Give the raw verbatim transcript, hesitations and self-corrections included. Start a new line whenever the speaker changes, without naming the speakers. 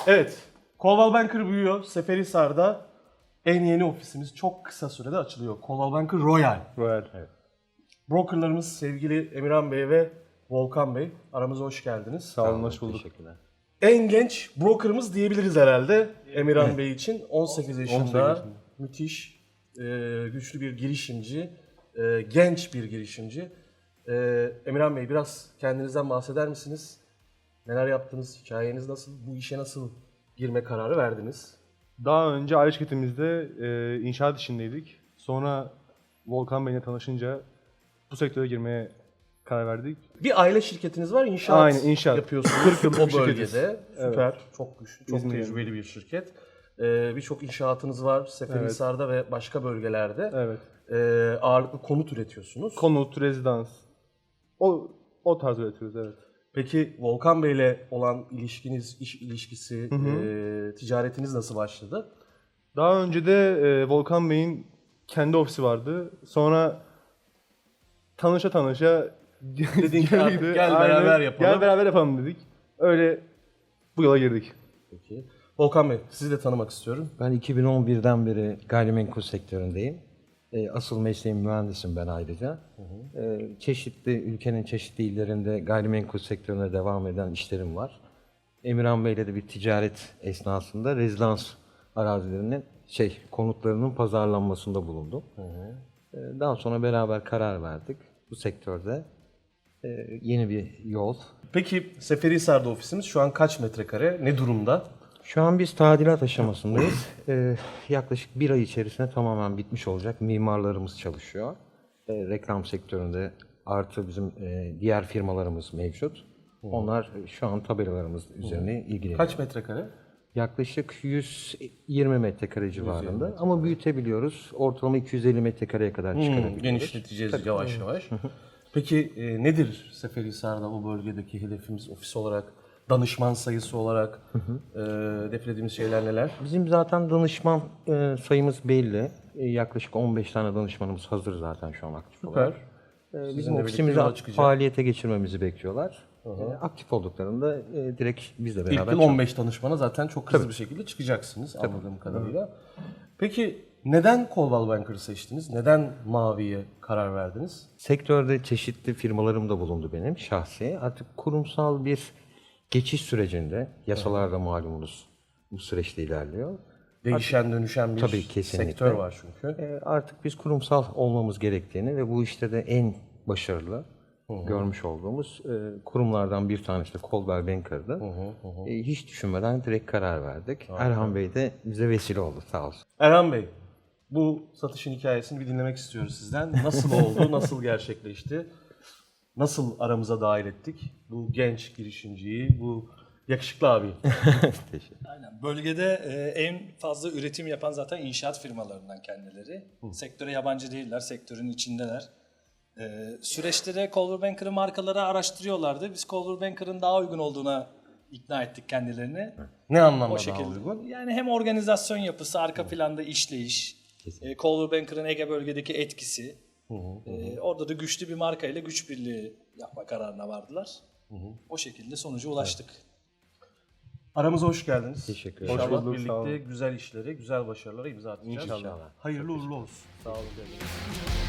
Evet, Coldwell Banker büyüyor. Seferihisar'da en yeni ofisimiz çok kısa sürede açılıyor. Coldwell Banker Royal.
Royal. Evet.
Brokerlarımız sevgili Emirhan Bey ve Volkan Bey. Aramıza hoş geldiniz.
Sağ olun, hoş bulduk.
Teşekkürler.
En genç brokerımız diyebiliriz herhalde Emirhan Bey için. on sekiz yaşında,
on sekiz yaşında.
müthiş, e, güçlü bir girişimci, e, genç bir girişimci. E, Emirhan Bey biraz kendinizden bahseder misiniz? Neler yaptınız? Hikayeniz nasıl? Bu işe nasıl girme kararı verdiniz?
Daha önce aile şirketimizde e, inşaat işindeydik. Sonra Volkan Bey'le tanışınca bu sektöre girmeye karar verdik.
Bir aile şirketiniz var, inşaat,
Aynen, inşaat.
yapıyorsunuz
kırk yıllık
o
bir şirketiz.
bölgede. Süper, çok güçlü, çok
İzmir'de.
tecrübeli bir şirket. Ee, Birçok inşaatınız var Seferihisar'da ve başka bölgelerde.
Evet.
Ee, ağırlıklı konut üretiyorsunuz.
Konut, rezidans. O o tarz üretiyoruz, evet.
Peki Volkan Bey'le olan ilişkiniz, iş ilişkisi, e, ticaretiniz nasıl başladı?
Daha önce de e, Volkan Bey'in kendi ofisi vardı. Sonra tanışa tanışa
Dedin ki artık
gel
gel beraber yapalım.
Gel beraber yapalım dedik. Öyle bu yola girdik.
Peki. Volkan Bey, sizi de tanımak istiyorum.
Ben iki bin on birden beri gayrimenkul sektöründeyim. E, Asıl mesleğim mühendisim ben ayrıca. E, Çeşitli, ülkenin çeşitli illerinde gayrimenkul sektörüne devam eden işlerim var. Emirhan Bey'le de bir ticaret esnasında rezidans arazilerinin, şey, konutlarının pazarlanmasında bulundum. E, Daha sonra beraber karar verdik. Bu sektörde e, yeni bir yol.
Peki Seferihisar'da ofisimiz şu an kaç metrekare, ne durumda?
Şu an biz tadilat aşamasındayız. Ee, yaklaşık bir ay içerisinde tamamen bitmiş olacak. Mimarlarımız çalışıyor. Ee, reklam sektöründe artı bizim e, diğer firmalarımız mevcut. Onlar şu an tabelalarımız üzerine ilgileniyor.
Kaç metrekare?
Yaklaşık yüz yirmi metrekare civarında ama büyütebiliyoruz. Ortalama iki yüz elli metrekareye kadar çıkarabiliyoruz.
Genişleteceğiz yavaş yavaş. Peki e, nedir Seferihisar'da o bölgedeki hedefimiz ofis olarak, danışman sayısı olarak e, hedeflediğimiz şeyler neler?
Bizim zaten danışman e, sayımız belli. E, yaklaşık on beş tane danışmanımız hazır zaten şu an aktif olarak. E, bizim
Sizinle
ofisimizi
birlikte yola çıkacak.
faaliyete geçirmemizi bekliyorlar. E, aktif olduklarında e, direkt bizle beraber
İlk yıl
çalışıyoruz.
on beş danışmana zaten çok hızlı bir şekilde çıkacaksınız anladığım kadarıyla. Peki neden Coldwell Banker'ı seçtiniz? Neden Mavi'ye karar verdiniz?
Sektörde çeşitli firmalarım da bulundu benim şahsi. Artık kurumsal bir geçiş sürecinde, yasalarda malumunuz bu süreçte ilerliyor.
Değişen dönüşen bir
Tabii, kesinlikle.
sektör var çünkü.
E, artık biz kurumsal olmamız gerektiğini ve bu işte de en başarılı görmüş olduğumuz e, kurumlardan bir tanesi de Coldwell Banker'dı. E, hiç düşünmeden direkt karar verdik. Erhan Bey de bize vesile oldu sağ olsun.
Erhan Bey, bu satışın hikayesini bir dinlemek istiyoruz sizden. Nasıl oldu, nasıl gerçekleşti? Nasıl aramıza dahil ettik bu genç girişimciyi, bu yakışıklı abi?
Aynen. Bölgede e, en fazla üretim yapan zaten inşaat firmalarından kendileri. Sektöre yabancı değiller, sektörün içindeler. E, süreçte de Coldwell Banker'ın markaları araştırıyorlardı. Biz Coldwell Banker'ın daha uygun olduğuna ikna ettik kendilerini.
Ne anlamda
O
daha
şekilde.
uygun?
Yani hem organizasyon yapısı, arka planda işleyiş, e, Coldwell Banker'ın Ege bölgedeki etkisi. E, orada da güçlü bir marka ile güç birliği yapma kararına vardılar. O şekilde sonuca ulaştık.
Aramıza hoş geldiniz.
Teşekkür
İnşallah
ederim. Hoş bulduk, sağ
birlikte
olun.
güzel işlere, güzel başarılara imza atacağız.
İnşallah.
Hayırlı uğurlu olsun.
Sağ olun.